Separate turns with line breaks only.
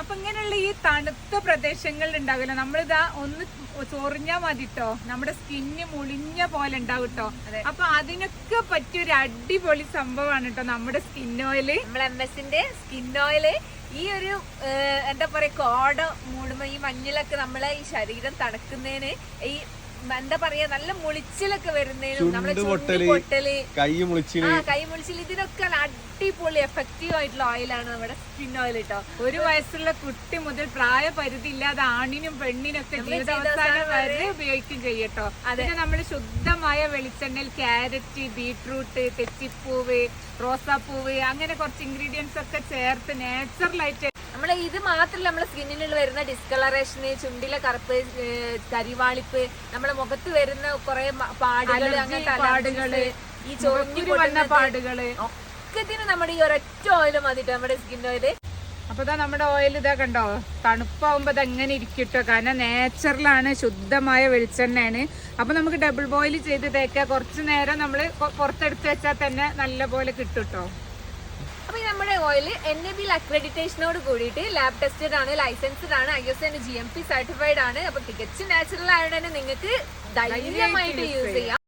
അപ്പൊ ഇങ്ങനെയുള്ള ഈ തണുത്ത പ്രദേശങ്ങളിൽ ഉണ്ടാവില്ല, നമ്മളിതാ ഒന്ന് ചൊറിഞ്ഞാ മതിട്ടോ നമ്മുടെ സ്കിന്ന് മുളിഞ്ഞ പോലെ ഉണ്ടാവും കേട്ടോ. അപ്പൊ അതിനൊക്കെ പറ്റിയൊരു അടിപൊളി സംഭവമാണ് കേട്ടോ നമ്മുടെ സ്കിൻ ഓയില്.
നമ്മുടെ MS-ന്റെ സ്കിൻ ഓയില് ഈ ഒരു എന്താ പറയാ കോട മൂടുമ്പോ ഈ മഞ്ഞിലൊക്കെ നമ്മളെ ഈ ശരീരം തണുക്കുന്നതിന്, ഈ എന്താ പറയാ നല്ല മുളിച്ചിലൊക്കെ വരുന്നതിനും നമ്മുടെ പൊട്ടല്, കൈ മുളിച്ചിൽ ഇതിനൊക്കെ അടിപൊളി എഫക്റ്റീവ് ആയിട്ടുള്ള ഓയിലാണ് നമ്മുടെ സ്കിൻ ഓയിൽ കേട്ടോ.
ഒരു വയസ്സുള്ള കുട്ടി മുതൽ പ്രായപരിധി ഇല്ലാതെ ആണിനും പെണ്ണിനൊക്കെ ജീവിതാവസാനം വരെ ഉപയോഗിക്കും ചെയ്യട്ടോ. അതിന് നമ്മൾ ശുദ്ധമായ വെളിച്ചെണ്ണയിൽ ക്യാരറ്റ്, ബീട്രൂട്ട്, തെച്ചിപ്പൂവ്, റോസാപ്പൂവ് അങ്ങനെ കുറച്ച് ഇൻഗ്രീഡിയൻസ് ഒക്കെ ചേർത്ത് നാച്ചുറലായിട്ട്
നമ്മളെ ഇത് മാത്രമല്ല നമ്മളെ സ്കിന്നിനുള്ള വരുന്ന ഡിസ്കളറേഷന്, ചുണ്ടിലെ കറുപ്പ്, കരിവാളിപ്പ്, നമ്മുടെ മുഖത്ത് വരുന്ന കുറെ പാടുകൾ, അങ്ങനത്തെ പാടുകള്, ഈ ചൊറിഞ്ഞു വന്ന പാടുകള് ഒക്കെ നമ്മുടെ ഈ ഒരൊറ്റ ഓയിൽ മതിട്ടോ നമ്മുടെ സ്കിൻ ഓയില്.
അപ്പൊ നമ്മുടെ ഓയിൽ ഇതാ കണ്ടോ, തണുപ്പാവുമ്പോ ഇത് എങ്ങനെ ഇരിക്കട്ടോ, കാരണം നാച്ചുറലാണ്, ശുദ്ധമായ വെളിച്ചെണ്ണയാണ്. അപ്പൊ നമുക്ക് ഡബിൾ ബോയിൽ ചെയ്ത് തേക്കാം. കുറച്ചു നേരം നമ്മള് പുറത്തെടുത്ത് വെച്ചാൽ തന്നെ നല്ല പോലെ കിട്ടുട്ടോ.
അപ്പൊ നമ്മുടെ ഓയിൽ NABL അക്രഡിറ്റേഷനോട് കൂടിയിട്ട് ലാബ് ടെസ്റ്റഡ് ആണ്, ലൈസൻസ്ഡ് ആണ്, ISO GMP സർട്ടിഫൈഡ് ആണ്. അപ്പൊ തികച്ചും നാച്ചുറൽ ആയതുകൊണ്ട് തന്നെ നിങ്ങൾക്ക് ധൈര്യമായിട്ട് യൂസ് ചെയ്യാം.